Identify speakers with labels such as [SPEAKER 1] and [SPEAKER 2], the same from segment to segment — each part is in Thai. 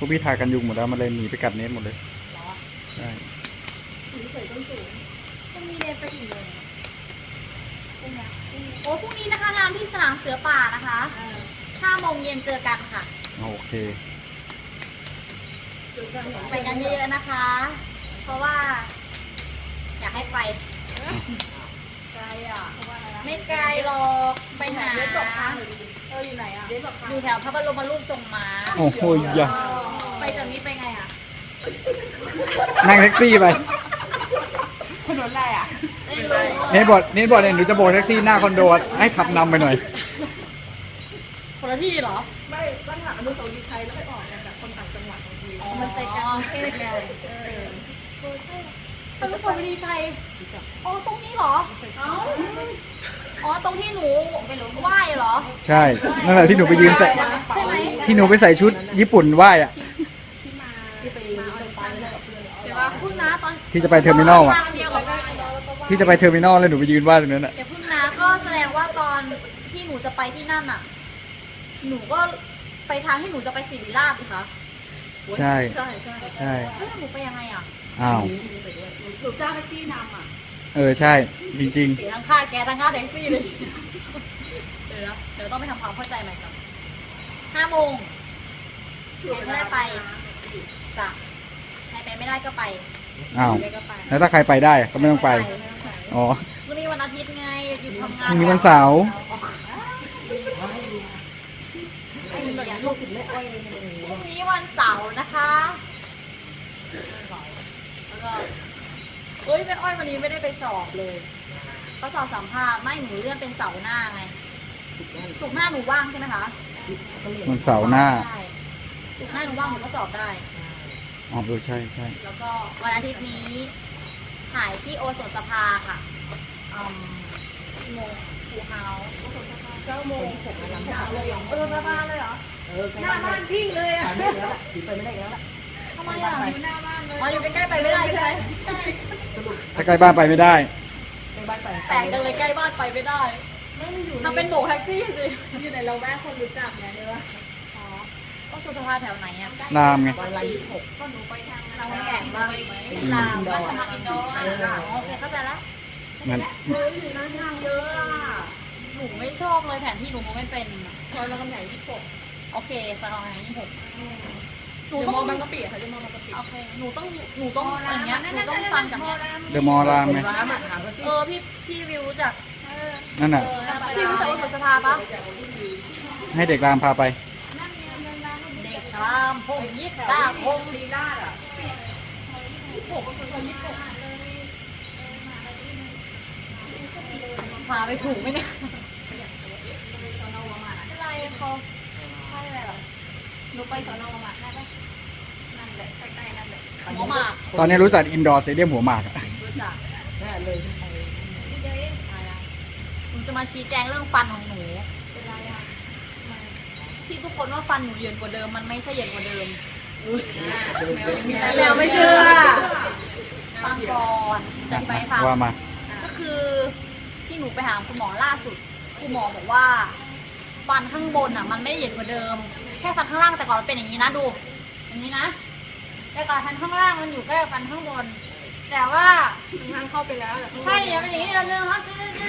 [SPEAKER 1] วกพี่ทากันยุงหมดแล้วมันเลยหนีไปกัดเน็ตหมดเลยใช่
[SPEAKER 2] เฉยต้นสูงต้องมีเรียนไปอีกเลยโอ้พรุ่งนี้นะคะงานที่สนามเสือป่านะคะ5 โมงเย็นเจอกันค่ะ
[SPEAKER 1] โอเค
[SPEAKER 2] ไปกันเยอะๆนะคะ เพราะว่า อยากให้ไปไกลอ่ะไม่ไกลหรอกไปหาอยู่ไหนอ่ะอยู่แถวพระบรมรูปทรงม้า
[SPEAKER 1] โอ้โหยะ
[SPEAKER 2] ไปจากนี้ไปไงอ่ะ
[SPEAKER 1] นั่งแท็กซี่ไป
[SPEAKER 3] ถนนอะไรอ่ะ
[SPEAKER 2] ไม่รู้
[SPEAKER 1] เน็ตบอกเนี่ยหนูจะโบกแท็กซี่หน้าคอนโดให้ขับนำไปหน่อย
[SPEAKER 2] คนละที่เหรอ
[SPEAKER 3] ไม่ต้องหาอนุสาวรีย์ชัยแล้วไปออกกันแบบคนต่างจังหวัดบางที
[SPEAKER 2] มันใจกลางประเทศไงใช่อนุสาวรีย์ชัยอ๋อตรงนี้เหรออ๋อตรงที่หนูไหว้เหรอ
[SPEAKER 1] ใช่นั่นแหละที่หนูไปยืนใส่
[SPEAKER 2] ใช่ไหม
[SPEAKER 1] ที่หนูไปใส่ชุดญี่ปุ่นไหว้อะ
[SPEAKER 2] เดี๋ยวว่าพึ่งนะตอน
[SPEAKER 1] ที่จะไปเทอร์มินอลอะ
[SPEAKER 2] ทางเดียวกับ
[SPEAKER 1] ที่จะไปเทอร์มินอลแล้วหนูไปยืนไหว้ตรงนั้นอะ
[SPEAKER 2] เดี๋ยวพึ่งนะก็แสดงว่าตอนที่หนูจะไปที่นั่นอ่ะ หนูก็ไปทางที่หนูจะไปศิริราชสิคะ
[SPEAKER 1] ใช่
[SPEAKER 3] ใช่ใช่
[SPEAKER 1] ใช่
[SPEAKER 2] เฮ้ยหนูไปยังไงอ่ะ
[SPEAKER 1] อ้าว
[SPEAKER 3] หนูจ้างแท็กซี่นำอ่ะ
[SPEAKER 1] ใช่จริง
[SPEAKER 2] เสียทั้งค่าแก๊สทั้งค่าแท็กซี่เลย เดี๋ยวต้องไปทำความเข้าใจใหม่ก่อน5 โมงใครไม่ได้ไปจ้ะใครไปไม่ได้ก็ไป
[SPEAKER 1] ๆอ้าวแล้วถ้าใครไปได้ก็ไม่ต้องไปอ๋อ
[SPEAKER 2] วันนี้วันอาทิตย์ไงหยุดทำงา
[SPEAKER 1] พ
[SPEAKER 2] น
[SPEAKER 1] รุ่งนี้วันเสาร์
[SPEAKER 2] พรุ่งนี้วันเสาร์นะคะแล้วก็เฮ้ยแม่อ้อยวันนี้ไม่ได้ไปสอบเลยเขาสอบสัมภาษณ์ไม่หนูเลื่อนเป็นเสาร์หน้าไงศุกร์หน้าหนูว่างใช่ไหมคะ
[SPEAKER 1] วันเสาร์หน้า
[SPEAKER 2] ใช่ศุกร์หน้าหนูว่างหนูก็สอบได้
[SPEAKER 1] อ๋อใช่ใช่
[SPEAKER 2] แล้วก็วันอาทิตย์นี้ถ่ายที่โอสถสภาค่ะโมฟูเฮาส์โอสถสภา
[SPEAKER 3] 9 โมงผมมาลำบากเลยเหรอ
[SPEAKER 2] โอสถสภาเลยเหรอ
[SPEAKER 3] หน้าบ้านพี่เลยอ่ะไม่ได้แล้วถือไปไม่ได้แล้ว
[SPEAKER 2] ทำไมอ่ะอยู่หน้าบ้านเลยอ๋ออยู่ใกล้ๆไปไม่ได้ใช่ไหม
[SPEAKER 1] ถ้าใกล้บ้านไปไม่ได้
[SPEAKER 3] ในบ้านไป
[SPEAKER 2] แปลกจังเลยใกล้บ้านไปไม่ได้
[SPEAKER 3] ไม่มันอยู่
[SPEAKER 2] ทำเป็นโบกแท็กซี่สิ
[SPEAKER 3] อยู่ในเราแม่คนรู้จักไงเนี่ยว่า
[SPEAKER 2] อ๋อโอสถสภาแถวไหนอ่ะ
[SPEAKER 1] รามไง
[SPEAKER 3] วันละ26
[SPEAKER 2] ก็หนูไปทางทางแก่งบ้างรามบ้านทางอินโดโอเคเข้าใจแล้ว
[SPEAKER 1] งั้น
[SPEAKER 2] เฮ้ยนั่งทางเยอะอ่ะหนูไม่ชอบเลยแผนที่หนูมองไม่เป็นอะ
[SPEAKER 3] ซอยรามคำแหง26
[SPEAKER 2] โอเคสถานี26หนู
[SPEAKER 3] เดี๋ยว
[SPEAKER 2] ต้อง
[SPEAKER 3] มองบางกะปิค่ะจะมองบางกะปิ
[SPEAKER 2] โอเคหนูต้องอย่างเงี้ยหนูต้องฟังจากเนี้ย
[SPEAKER 1] เดอะมอลล์รามไง
[SPEAKER 3] ร้านอาหารก็สิ
[SPEAKER 2] พี่วิวรู้จัก
[SPEAKER 1] นั่นน่ะ
[SPEAKER 2] พี่รู้จักว่าสภาปะ
[SPEAKER 1] ให้เด็กรามพาไป
[SPEAKER 2] เด็กรามพงยิกตาพง
[SPEAKER 3] ลีลาดอ่ะ
[SPEAKER 2] พาไปถูกไหมเนี่ยอะไรเขาใช่อะไรหรอหนูไปสอนอมาได้ปะนั่นแหละใกล้ๆนั่นแหละหมอหมาก
[SPEAKER 1] ตอนนี้รู้จักอินดอร์สเตเดียมหัวหมากอะ
[SPEAKER 2] รู้จัก
[SPEAKER 3] แน่เลยไป
[SPEAKER 2] หนูจะมาชี้แจงเรื่องฟันของหนูที่ทุกคนว่าฟันหนูเหยินกว่าเดิมมันไม่ใช่เหยินกว่าเดิม
[SPEAKER 3] แมวไม่เชื่อ
[SPEAKER 2] ฟังก่อนจะไปฟัง
[SPEAKER 1] ว่ามา
[SPEAKER 2] ก็คือที่หนูไปหาคุณหมอล่าสุดคุณหมอบอกว่าฟันข้างบนอ่ะมันไม่ได้เหยินกว่าเดิม แค่ฟันข้างล่างแต่ก่อนมันเป็นอย่างนี้นะดูอย่างนี้นะแต่ก่อนฟันข้างล่างมันอยู่ใกล้กับฟันข้างบน แต่ว่า
[SPEAKER 3] ทางเข้าไปแล้ว
[SPEAKER 2] ใช่เนี่ยเป็นอย่างนี้นิดนึงครับ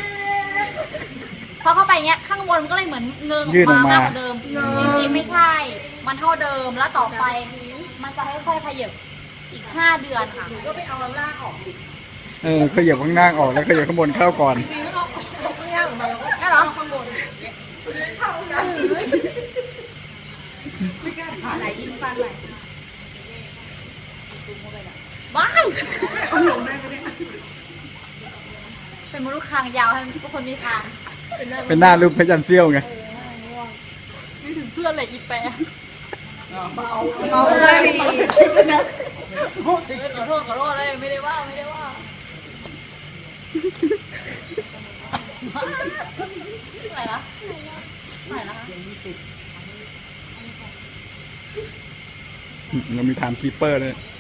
[SPEAKER 2] พอเข้าไปเงี้ยข้างบนมันก็เลยเหมือนเงิงอ
[SPEAKER 1] ยื่
[SPEAKER 2] อน ก
[SPEAKER 1] ออก
[SPEAKER 2] มา
[SPEAKER 1] มา
[SPEAKER 2] มากกว่าเดิมจริงๆไม่ใช่ มันเท่าเดิมแล้วต่อไปมันจะค่อยๆขยับอีก5 เดือนค่ะ
[SPEAKER 3] ก็ไปเอาล่างออกดิ
[SPEAKER 1] ขยับข้างล่างออกแล้วขยับข้างบนเข้าก่อน
[SPEAKER 3] จริงๆแล้วเอาข้างล่างออกมาแล้วก็
[SPEAKER 2] นี่เหรอ
[SPEAKER 3] ข้างบนเข้ากันไม่กล้าผ่าไหนยิงฟันไหน
[SPEAKER 2] ว้าย
[SPEAKER 3] เอาหลงได้ไหมเนี่ย
[SPEAKER 2] เป็นมนุษย์คางยาวให้ทุกคนมีคาง
[SPEAKER 1] เป็นหน้ารูปพระจันทร์เสี้ยวไง
[SPEAKER 2] นี่ถึงเพื่อนเลยอีแปะ
[SPEAKER 3] เอาเลยดิ
[SPEAKER 2] ขอโทษเลยไม่ได้ว่าไม่ได้ว่าอะไรนะอะไรนะคะ
[SPEAKER 1] เรามีไทม์คีปเปอร์ด้วย